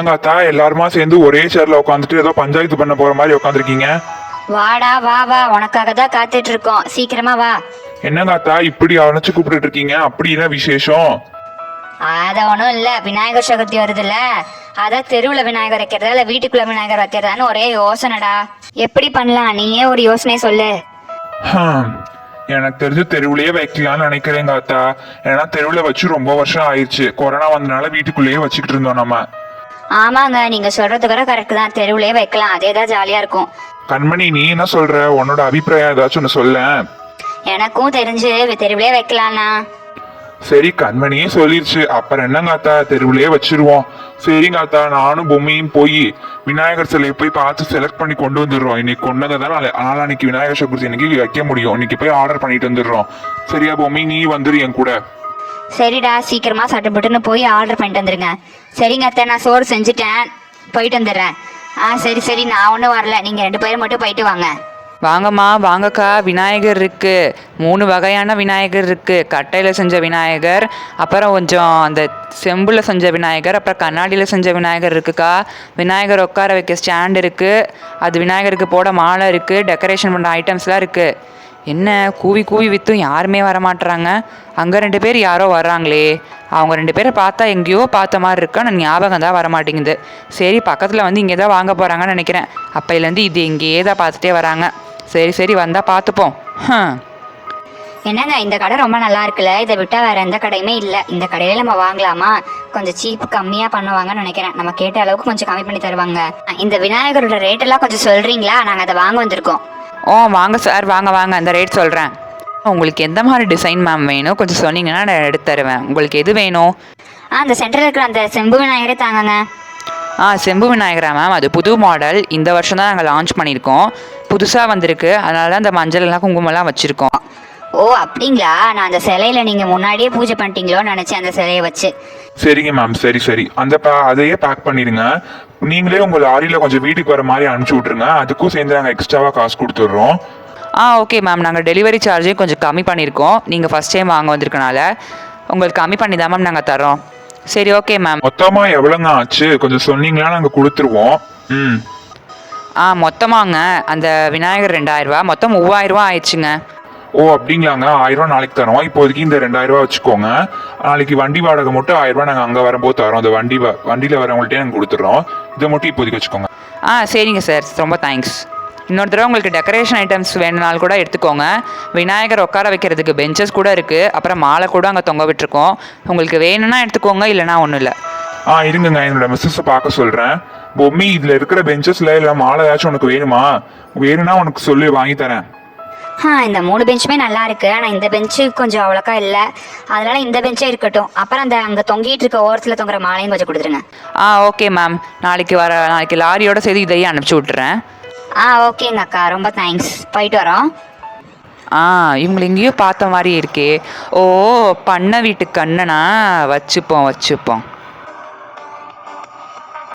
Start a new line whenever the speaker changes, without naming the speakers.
என்னங்காத்தா எல்லாருமா சேர்ந்து ஒரே சேர்ல உட்காந்துட்டு ஏதோ பஞ்சாயத்து பண்ண போற மாதிரி உட்காந்துருக்கீங்க?
வாடா வா வா, உனக்காக தான் காத்துட்டு இருக்கோம், சீக்கிரமா வா.
என்னங்காத்தா இப்படி அணைச்சு கூப்பிட்டு இருக்கீங்க? அப்படி என்ன விசேஷம்?
அத ஒண்ணும் இல்ல, விநாயகர் சதுர்த்தி வருதுல்ல, அதான் தெருவுல விநாயகர் வைக்கிறதா இல்ல வீட்டுக்குள்ள விநாயகர் வைக்கிறதான்னு ஒரே யோசனைடா. எப்படி பண்ணலாம், நீயே ஒரு யோசனை சொல்லு.
ஹம், எனக்கு தெரிஞ்சு தெருவுலயே வைக்கலாம்னு நினைக்கிறேன் காத்தா. ஏன்னா தெருவுல வச்சு ரொம்ப வருஷம் ஆயிடுச்சு. கொரோனா வந்தனால வீட்டுக்குள்ளேயே வச்சுக்கிட்டு இருந்தோம் நம்ம.
ஆமாங்க, நீங்க சொல்றது கூட கரெக்ட் தான், தெருவுலயே வைக்கலாம், அதேதான் ஜாலியா இருக்கும்.
கண்மணி, நீ என்ன சொல்ற? உன்னோட அபிப்பிராயம் ஏதாச்சும் ஒன்று சொல்ல.
எனக்கும் தெரிஞ்சு தெருவுலயே வைக்கலாம்னா.
சரி, கண்மணியே சொல்லிருச்சு, அப்புறம் என்னங்காத்தா, தெருவுலயே வச்சிருவோம். சரிங்காத்தா, நானும் பொம்மையும் போய் விநாயகர் சிலையை போய் பார்த்து செலக்ட் பண்ணி கொண்டு வந்துடுறோம். இன்னைக்கு கொண்டதை தான் நாளான்னைக்கு விநாயகர் சதுர்த்தி இன்னைக்கு வைக்க முடியும். இன்னைக்கு போய் ஆர்டர் பண்ணிட்டு வந்துடுறோம். சரியா பொம்மி, நீ வந்துரு என் கூட.
சரிடா, சீக்கிரமா சட்டுப்பட்டுன்னு போய் ஆர்டர் பண்ணிட்டு வந்துருங்க. சரிங்க அத்தை, நான் சோறு செஞ்சுட்டேன், போயிட்டு வந்துடுறேன். சரி சரி, நான் ஒன்றும் வரல, நீங்கள் 2 பேரும் மட்டும் போயிட்டு வாங்க.
வாங்கம்மா வாங்கக்கா, விநாயகர் இருக்குது. 3 வகையான விநாயகர் இருக்குது. கட்டையில் செஞ்ச விநாயகர், அப்புறம் கொஞ்சம் அந்த செம்பில் செஞ்ச விநாயகர், அப்புறம் கண்ணாடியில் செஞ்ச விநாயகர் இருக்குக்கா. விநாயகர் உட்கார வைக்க ஸ்டாண்ட் இருக்குது. அது விநாயகருக்கு போட மாலை இருக்குது. டெக்கரேஷன் பண்ணுற ஐட்டம்ஸ்லாம் இருக்குது. என்ன கூவி கூவி விற்றும் யாருமே வரமாட்டுறாங்க. அங்கே 2 பேர் யாரோ வர்றாங்களே, அவங்க 2 பேரை பார்த்தா எங்கேயோ பார்த்த மாதிரி இருக்கா, நான் ஞாபகம் தான் வரமாட்டேங்குது. சரி, பக்கத்தில் வந்து இங்கே தான் வாங்க போகிறாங்கன்னு நினைக்கிறேன். அப்பையிலேருந்து இது இங்கேயே தான் பார்த்துட்டே வராங்க. சரி சரி, வந்தால் பார்த்துப்போம்.
என்னங்க, இந்த கடை ரொம்ப நல்லா இருக்குல்ல, இதை விட்டா வேற எந்த கடையுமே இல்லை. இந்த கடையில நம்ம வாங்கலாமா? கொஞ்சம் சீப் கம்மியாக பண்ணுவாங்கன்னு நினைக்கிறேன். நம்ம கேட்ட அளவுக்கு கொஞ்சம் கம்மி பண்ணி தருவாங்க. இந்த விநாயகரோட ரேட் எல்லாம் கொஞ்சம் சொல்றீங்களா? நாங்கள் அதை வாங்க வந்திருக்கோம்.
வாங்க சார், வாங்க வாங்க, அந்த ரேட் சொல்கிறேன். உங்களுக்கு எந்த மாதிரி டிசைன் மேம் வேணும் கொஞ்சம் சொன்னீங்கன்னா நான் எடுத்து தருவேன். உங்களுக்கு எது வேணும்?
அந்த சென்டரில் இருக்கிற அந்த செம்பு விநாயகரே தாங்கங்க.
செம்பு விநாயகரா மேம்? அது புது மாடல், இந்த வருஷம் தான் நாங்கள் லான்ச் பண்ணியிருக்கோம். புதுசாக வந்திருக்கு, அதனால தான் அந்த மஞ்சள் எல்லாம் குங்குமம்லாம் வச்சுருக்கோம்.
ஓ அப்படிங்களா? நான் அந்த சிலையில நீங்கள் முன்னாடியே பூஜை பண்ணிட்டீங்களோன்னு நினச்சேன், அந்த சிலையை வச்சு.
சரிங்க மேம், சரி சரி, அதையே பேக் பண்ணிடுங்க. நீங்களே உங்கள் லாரியில் கொஞ்சம் வீட்டுக்கு வர மாதிரி அனுப்பிச்சி விட்ருங்க. அதுக்கும் சேர்ந்து நாங்கள் எக்ஸ்ட்ராவாக காசு கொடுத்துட்றோம்.
ஓகே மேம், நாங்கள் டெலிவரி சார்ஜையும் கொஞ்சம் கம்மி பண்ணியிருக்கோம். நீங்கள் ஃபஸ்ட் டைம் வாங்க வந்திருக்கனால உங்களுக்கு கம்மி பண்ணி தான் மேம் நாங்கள் தரோம். சரி ஓகே மேம்.
மொத்தமாக எவ்வளோங்க ஆச்சு கொஞ்சம் சொன்னீங்களா நாங்கள் கொடுத்துருவோம்.
மொத்தமாங்க அந்த விநாயகர் 2000 ரூபா, மொத்தம் 3000 ரூபா ஆயிடுச்சுங்க.
ஓ அப்படிங்களாங்க, 1000 ரூபா நாளைக்கு தரோம். இப்போதைக்கு இந்த 2000 ரூபா வச்சுக்கோங்க. நாளைக்கு வண்டி வாடகை மட்டும் 1000 ரூபா நாங்கள் அங்கே வரும்போது தரோம். அந்த வண்டியில் வரவங்கள்ட்டே நாங்கள் கொடுத்துட்றோம். இதை மட்டும் இப்போதைக்கு வச்சுக்கோங்க.
சரிங்க சார், ரொம்ப தேங்க்ஸ். இன்னொரு தடவை உங்களுக்கு டெக்கரேஷன் ஐட்டம்ஸ் வேணுனாலும் கூட எடுத்துக்கோங்க. விநாயகர் உட்கார வைக்கிறதுக்கு பெஞ்சஸ் கூட இருக்குது, அப்புறம் மாலை கூட அங்கே தொங்க விட்டுருக்கோம். உங்களுக்கு வேணும்னா எடுத்துக்கோங்க, இல்லைனா ஒன்றும் இல்லை.
இருங்கங்க, என்னோட மிஸ்ஸஸை பார்க்க சொல்கிறேன். பொம்மி, இதில் இருக்கிற பெஞ்சஸில் இல்லை மாலை ஏதாச்சும் உனக்கு வேணுமா? வேணும்னா உனக்கு சொல்லி வாங்கி தரேன்.
இந்த 3 பெஞ்சுமே நல்லா இருக்கு, ஆனால் இந்த பெஞ்சு கொஞ்சம் அவ்வளோக்கா இல்லை, அதனால இந்த பெஞ்சே இருக்கட்டும். அப்புறம் அந்த அங்கே தொங்கிட்டு இருக்க ஓரத்தில் தொங்குற மாலையும் கொஞ்சம் கொடுத்துருங்க.
ஓகே மேம், நாளைக்கு லாரியோட சேர்த்து இதையே அனுப்பிச்சி விட்டுறேன்.
ஓகேங்க அக்கா, ரொம்ப தேங்க்ஸ். போயிட்டு வரோம்.
இவங்களை எங்கேயோ பார்த்த மாதிரி இருக்கே. ஓ, பண்ண வீட்டு கண்ணனா? வச்சுப்போம்.